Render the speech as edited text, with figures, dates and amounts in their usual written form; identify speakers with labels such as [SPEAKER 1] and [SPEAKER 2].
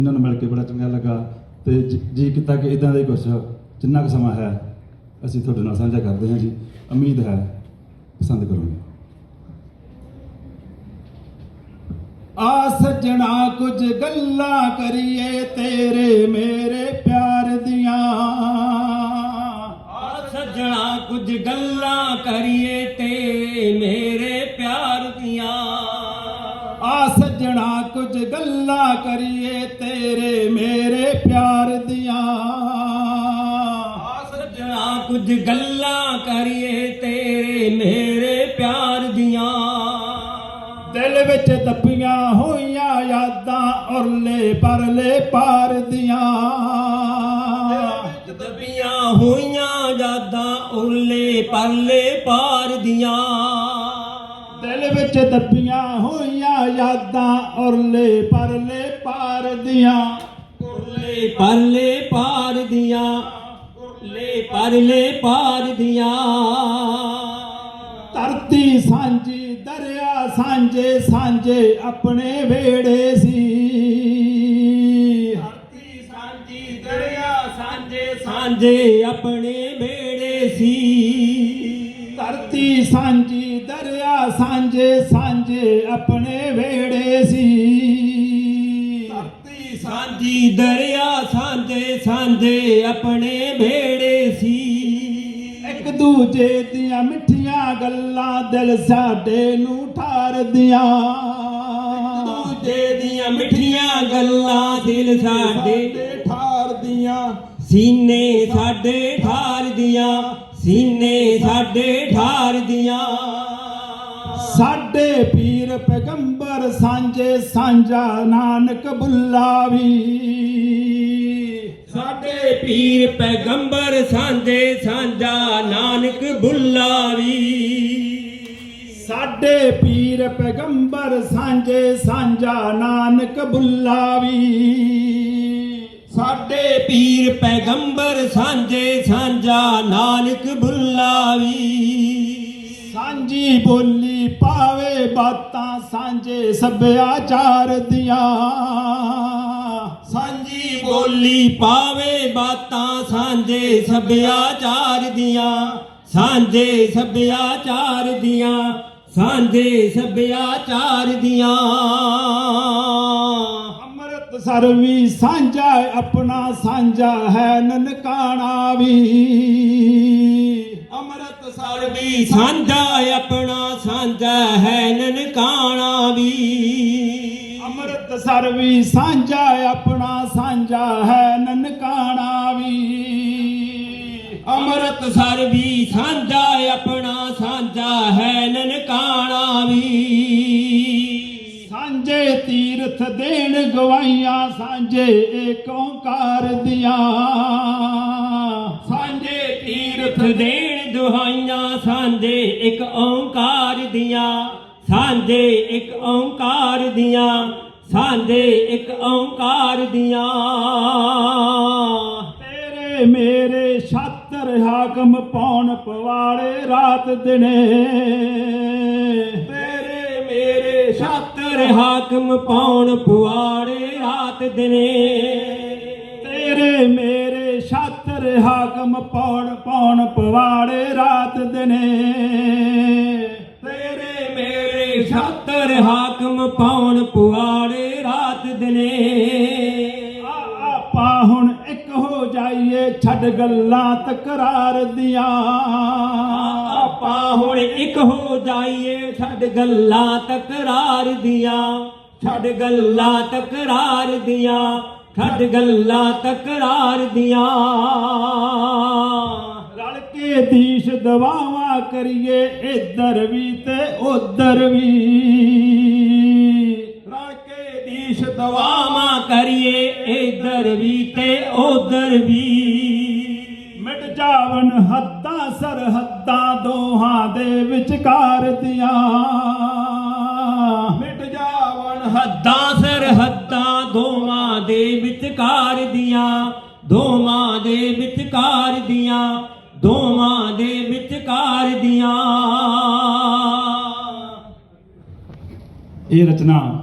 [SPEAKER 1] ਇਹਨਾਂ ਨੂੰ ਮਿਲ ਕੇ ਬੜਾ ਚੰਗਾ ਲੱਗਾ ਤੇ ਜੀ ਕੀਤਾ ਕਿ ਇਦਾਂ ਦਾ ਹੀ ਕੁਝ ਜਿੰਨਾ ਕੁ ਸਮਾਂ ਹੈ ਅਸੀਂ ਤੁਹਾਡੇ ਨਾਲ ਸਾਂਝਾ ਕਰਦੇ ਹਾਂ ਜੀ। ਉਮੀਦ ਹੈ ਪਸੰਦ ਕਰੋਗੇ। ਆ ਸੱਜਣਾ ਕੁਝ ਗੱਲਾਂ ਕਰੀਏ ਤੇਰੇ ਮੇਰੇ ਪਿਆਰ ਦੀਆਂ।
[SPEAKER 2] ਆ ਸੱਜਣਾ ਕੁਝ ਗੱਲਾਂ ਕਰੀਏ ਤੇ ਮੇਰੇ ਪਿਆਰ ਦੀਆਂ।
[SPEAKER 1] ਆ ਸੱਜਣਾ ਕੁਝ ਗੱਲਾਂ ਕਰੀਏ ਤੇਰੇ ਮੇਰੇ ਪਿਆਰ ਦੀਆਂ।
[SPEAKER 2] ਆ ਸੱਜਣਾ ਕੁਝ ਗੱਲਾਂ ਕਰੀਏ ਤੇਰੇ ਮੇਰੇ ਪਿਆਰ ਦੀਆਂ।
[SPEAKER 1] ਦਿਲ ਵਿੱਚ ਦੱਬੀਆਂ ਹੋਈਆਂ ਯਾਦਾਂ ਉਰਲੇ ਪਰਲੇ ਪਾਰ ਦੀਆਂ।
[SPEAKER 2] ਦੱਬੀਆਂ ਹੋਈਆਂ ਯਾਦਾਂ ਉਰਲੇ ਪਰਲੇ ਪਾਰ ਦੀਆਂ।
[SPEAKER 1] ਦਿਲ ਵਿੱਚ ਦੱਬੀਆਂ ਹੋਈਆਂ ਯਾਦਾਂ ਉਰਲੇ ਪਰਲੇ ਪਾਰ ਦੀਆਂ।
[SPEAKER 2] ਉਰਲੇ ਪਰਲੇ ਪਾਰ ਦੀਆਂ। ਉਰਲੇ ਪਰਲੇ ਪਾਰ ਦੀਆਂ।
[SPEAKER 1] ਧਰਤੀ ਸਾਂਝੀ ਦਰਿਆ ਸਾਂਝੇ ਸਾਂਝੇ ਆਪਣੇ ਵੇੜੇ ਸੀ।
[SPEAKER 2] ਧਰਤੀ ਸਾਂਝੀ ਦਰਿਆ ਸਾਂਝੇ ਸਾਂਝੇ ਆਪਣੇ ਵੇੜੇ ਸੀ।
[SPEAKER 1] ਧਰਤੀ ਸਾਂਝੀ ਦਰਿਆ ਸਾਂਝੇ ਸਾਂਝੇ ਆਪਣੇ ਵੇੜੇ ਸੀ।
[SPEAKER 2] ਧਰਤੀ ਸਾਂਝੀ ਦਰਿਆ ਸਾਂਝੇ ਸਾਂਝੇ ਆਪਣੇ ਵੇੜੇ ਸੀ।
[SPEAKER 1] ਇੱਕ ਦੂਜੇ ਦੀਆਂ ਮਿੱਠੀਆਂ ਗੱਲਾਂ ਦਿਲ ਸਾਡੇ ਨੂੰ ਠਾਰਦੀਆਂ।
[SPEAKER 2] ਦੂਜੇ ਦੀਆਂ ਮਿੱਠੀਆਂ ਗੱਲਾਂ ਦਿਲ ਸਾਡੇ
[SPEAKER 1] ਠਾਰਦੀਆਂ।
[SPEAKER 2] ਸੀਨੇ ਸਾਡੇ ਠਾਰਦੀਆਂ। ਸੀਨੇ ਸਾਡੇ ਠਾਰਦੀਆਂ।
[SPEAKER 1] ਸਾਡੇ ਪੀਰ ਪੈਗੰਬਰ ਸਾਂਝੇ ਸਾਂਝਾ ਨਾਨਕ ਬੁੱਲਾ ਵੀ।
[SPEAKER 2] ਸਾਡੇ ਪੀਰ ਪੈਗੰਬਰ ਸਾਂਝੇ ਸਾਂਝਾ ਨਾਨਕ ਬੁੱਲਾ ਵੀ।
[SPEAKER 1] ਸਾਡੇ ਪੀਰ ਪੈਗੰਬਰ ਸਾਂਝੇ ਸਾਂਝਾ ਨਾਨਕ ਬੁੱਲਾ ਵੀ।
[SPEAKER 2] ਸਾਡੇ ਪੀਰ ਪੈਗੰਬਰ ਸਾਂਝੇ ਸਾਂਝਾ ਨਾਨਕ ਬੁੱਲਾ ਵੀ।
[SPEAKER 1] ਸਾਂਝੀ ਬੋਲੀ ਪਾਵੇ ਬਾਤਾਂ ਸਾਂਝੇ ਸੱਭਿਆਚਾਰ ਦੀਆਂ।
[SPEAKER 2] ਸਾਂਝੀ ਬੋਲੀ ਪਾਵੇ ਬਾਤਾਂ ਸਾਂਝੇ ਸੱਭਿਆਚਾਰ ਦੀਆਂ। ਸਾਂਝੇ ਸੱਭਿਆਚਾਰ ਦੀਆਂ। ਸਾਂਝੇ ਸੱਭਿਆਚਾਰ ਦੀਆਂ।
[SPEAKER 1] ਅੰਮ੍ਰਿਤਸਰ ਵੀ ਸਾਂਝਾ ਆਪਣਾ ਸਾਂਝਾ ਹੈ ਨਨਕਾਣਾ ਵੀ।
[SPEAKER 2] ਅੰਮ੍ਰਿਤਸਰ ਵੀ ਸਾਂਝਾ ਆਪਣਾ ਸਾਂਝਾ ਹੈ ਨਨਕਾਣਾ ਵੀ।
[SPEAKER 1] ਅੰਮ੍ਰਿਤਸਰ ਵੀ ਸਾਂਝਾ ਆਪਣਾ ਸਾਂਝਾ ਹੈ ਨਨਕਾਣਾ ਵੀ।
[SPEAKER 2] ਅੰਮ੍ਰਿਤਸਰ ਵੀ ਸਾਂਝਾ ਆਪਣਾ ਸਾਂਝਾ ਹੈ ਨਨਕਾਣਾ ਵੀ।
[SPEAKER 1] ਸਾਂਝੇ ਤੀਰਥ ਦੇਣ ਗਵਾਈਆਂ ਸਾਂਝੇ ਏਕ ਓਂਕਾਰ ਦੀਆਂ।
[SPEAKER 2] ਸਾਂਝੇ ਤੀਰਥ ਦੇਣ ਦੁਹਾਈਆਂ ਸਾਂਝੇ ਇੱਕ ਓਂਕਾਰ ਦੀਆਂ। ਸਾਂਝੇ ਇੱਕ ਓਂਕਾਰ ਦੀਆਂ। ਸਾਂਝੇ ਇੱਕ ਓਂਕਾਰ ਦੀਆਂ।
[SPEAKER 1] ਤੇਰੇ ਮੇਰੇ ਛਾਤਰ ਹਾਕਮ ਪਾਉਣ ਪਵਾੜੇ ਰਾਤ ਦਿਨੇ।
[SPEAKER 2] ਤੇਰੇ ਮੇਰੇ ਛਾਤਰ ਹਾਕਮ ਪਾਉਣ ਪੁਆੜੇ ਰਾਤ ਦਿਨੇ।
[SPEAKER 1] ਤੇਰੇ ਮੇਰੇ ਛਾਤਰ ਹਾਕਮ ਪਾਉਣ ਪਵਾੜੇ ਰਾਤ ਦਿਨੇ।
[SPEAKER 2] ਤੇਰੇ ਮੇਰੇ ਛਾਤਰ ਹਾਕਮ ਪਾਉਣ ਪੁਆੜੇ ਰਾਤ ਦਿਨੇ।
[SPEAKER 1] ਆਪਾਂ ਹੁਣ ਇੱਕ ਹੋ ਜਾਈਏ ਛੱਡ ਗੱਲਾਂ ਤਕਰਾਰ ਦੀਆਂ।
[SPEAKER 2] ਆਪਾਂ ਹੁਣ ਇੱਕ ਹੋ ਜਾਈਏ ਛੱਡ ਗੱਲਾਂ ਤਕਰਾਰ ਦੀਆਂ। ਛੱਡ ਗੱਲਾਂ ਤਕਰਾਰ ਦੀਆਂ। ਛੱਡ ਗੱਲਾਂ ਤਕਰਾਰ ਦੀਆਂ।
[SPEAKER 1] ਰਲ ਕੇ ਦੀਸ਼ ਦਵਾਵਾਂ ਕਰੀਏ ਇੱਧਰ ਵੀ ਤੇ ਉੱਧਰ ਵੀ।
[SPEAKER 2] ਰਲ ਕੇ ਦੀਸ਼ ਦਵਾਵਾਂ ਕਰੀਏ ਇੱਧਰ ਵੀ ਤੇ ਉੱਧਰ ਵੀ।
[SPEAKER 1] ਮਿਟ ਜਾਵਨ ਹੱਦਾਂ ਸਰਹੱਦਾਂ ਦੋਹਾਂ ਦੇ ਵਿਚਕਾਰ ਦੀਆਂ।
[SPEAKER 2] ਮਿਟ ਜਾਵਨ ਹੱਦਾਂ ਸਰਹੱਦਾਂ ਦੋਵਾਂ ਦੇ ਵਿਚਕਾਰ ਦੀਆਂ। ਦੋਵਾਂ ਦੇ ਵਿਚਕਾਰ ਦੀਆਂ। ਦੋਵਾਂ ਦੇ ਵਿਚਕਾਰ ਦੀਆਂ।
[SPEAKER 1] ਇਹ ਰਚਨਾ